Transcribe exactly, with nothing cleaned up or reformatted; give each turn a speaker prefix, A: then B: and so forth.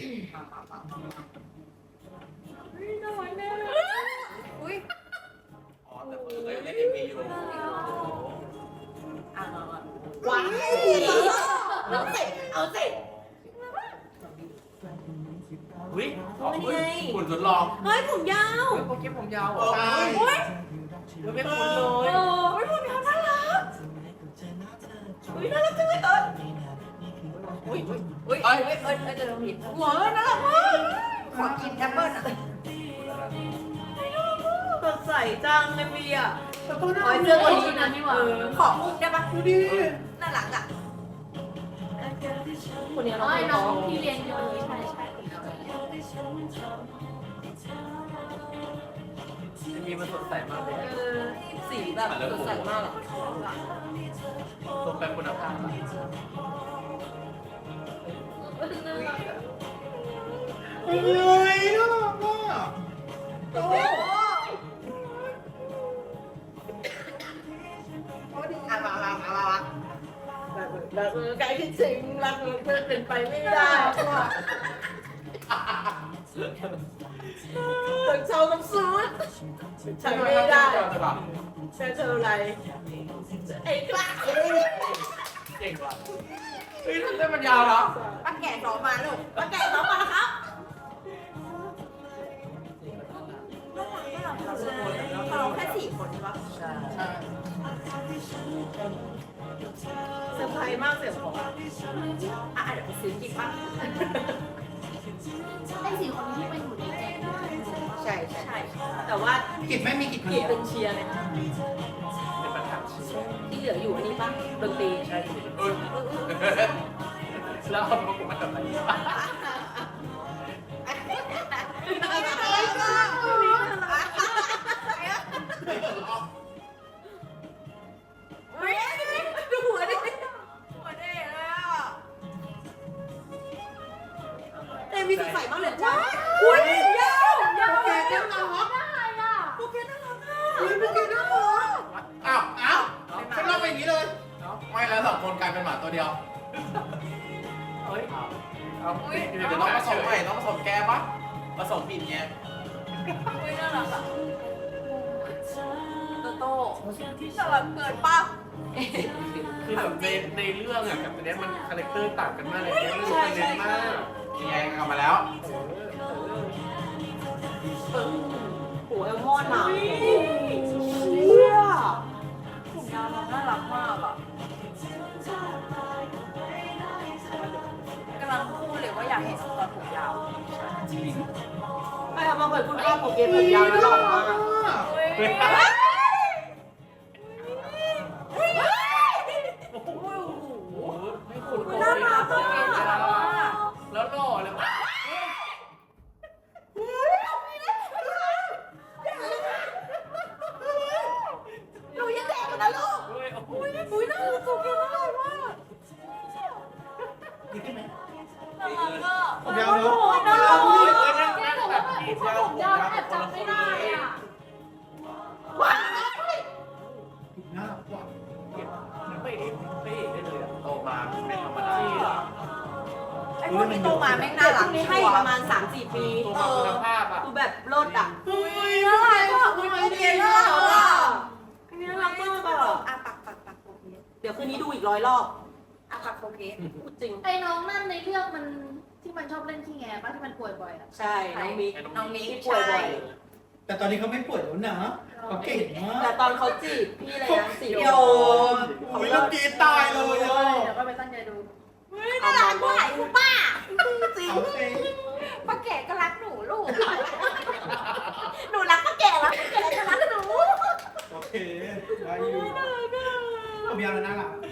A: น่ารักแน่เลยอุ้ย
B: อ๋อแต่คือก็ยังเล่นเอ็มวีอยู่
A: อ่ะว้าวเอาสิเอาสิ
B: อุ้ยหุ่นทดลอง
A: เฮ้ยผมยาว
B: โปเกมผมยาวเหรอใช่
A: โอ้ย
B: ไม่เป็นคนเลย
A: โอ้ยผมยาวน่ารักอุ้ยน่ารักจังเลยเอออุ้ยอุ้ยอุ้ยเอ้ยเอ้ยเอ้ยจะโดนผิดหัวน่ารักมากขอกินแอปเปิ้ลอ่ะสดใสจังเอ็มวีอ่ะแต่ก็น่ารักเสื้อตัวนี้นะนี่หว่าขอมุกได้ปะดูดิน่ารักอ่ะคนนี้เราน้องที่เรียนอยู่ใช่ใช่
B: มีมันสดใสมากเลย
A: สีแบบสดใสมากอ่ะ
B: ตรงไปคุณภาพอะเฮ้ยน่ารักมาก
A: โอ้อ่ะมามามามารักใกล้ที่สิงรักเพื่อนเป็นไปไม่ได้ว่ะถึงเช้าน้ำซุปฉันไม่ได้เธอเธออะไรไอ้กล้า
B: เก่งว่ะเฮ้ยเล่นมันยาวเหรอ
A: ป้าแก่สองมาลูกป้าแก่สองมาแล้วครับเราแค่สี่คนใช่ปะใช่เซอร์ไพรส์มากเสียงผมอ่ะอ่ะเดี๋ยวไปซื้อกิ๊กป่ะ
C: ไอ้สี่คนที่ไปอยู่ในแก๊ง
A: ใช่ใช่แต่ว่า
B: กิจไม่มีกิจคน
A: กิ๊
B: เดี
A: ก
B: ยว
A: เป็นเชียร์เลย
B: เป็นประธาน
A: ที่เหลืออยู่อันนี้ป่ะดนตรี
B: ใช่เออแล้วเอาพวกกูมาทำอะไร
A: ดูหัวดิหัวเด็กเลยอ่ะเอ็มมีสดใสมากเลยจ้าอุ้ยยาวยาวแกน่ารัก
C: ได้อ่ะ
A: โอเคน่ารักอ่ะอุ้ยโอเคน่ารัก
B: อ้าวอ้าวฉันเล่าไปอย่างนี้เลยไม่แล้วสองคนกลายเป็นหมาตัวเดียวเฮ้ยเอาเดี๋ยวต้องผสมใหม่ต้องผสมแกปะผสมผิดไง
A: อุ้ยน่ารักอ่ะโตโต้น่ารักเกินป่ะ
B: คือแบบในในเรื่องอะกับในนี้มันคาแรคเตอร์ต่างกันมากเลยเนี่ยมันเน้นมากยังไงกลับมาแล้ว
A: หัวเอลมอนอ่ะเชี่ยผมยาวน่ารักมากอ่ะกำลังพูดเลยว่าอยากเห็นตอนผมยาวไม่ครับบางคนพูดว่าผมเกมผมยาวแล้วหล่อมากน่ารักอ่ะ
B: แล้วหล่อเลย
A: หนูยังเด็กนะลูกอุ้ยอุ้ยน่ารักสุดเลยน่ารักมาก
B: ดีขึ้นไหม
A: น่ารักอ่ะ
B: ผมยาวเนอะ
A: น่ารัก
C: แกบอกว่าแบบผู้ชายผมยาวแอบจำไม่ได้อ่ะ
A: ว้าว
B: น่ารักกว่าไม่เอกไม่เอกได้เลยโตมาเป็นธรรมดา
A: ไอ้พวกนี้โตมาแม่งน่ารักให้ประมาณ สามสี่ ปี
B: เออคุณภาพอ่ะ
A: คือแบบโลดอ่ะอุ้ยน่ารักอ่ะอุ้ยโอเคน่ารักอ่ะน่ารักมากอ่ะอ่ะปักปักปักโอเคเดี๋ยวคืนนี้ดูอีกร้อยรอบอ่ะปักโอเคพูดจริง
C: ไอ้น้องนั่นในเรื่องมันที่มันชอบเล่นขี้แงป่ะที่มันป่วยบ่อยอ่ะ
A: ใช่น้องมิก
B: น้องมิก
A: ที่ป่วยบ่อย
D: แต่ตอนนี้เขาไม่ป่วยแล้วนะเขาเก่งมาก
A: แต่ตอนเขาจีบพี่เลยนะสี่
D: โย
A: โย
D: นอุ้ยลูกกีตายเลยอ่ะ
C: เดี๋ยวก็ไปตั้งใจดู
A: น่ารักกว่าไอ้คุณป้าจริง
D: เอาสิ
A: ป้าแก่ก็รักหนูลูกหนูรักป้าแก่รักป้าแก่ก็รักหนู
D: โอเคได้อยู่ผมยาวแล้วน่ารัก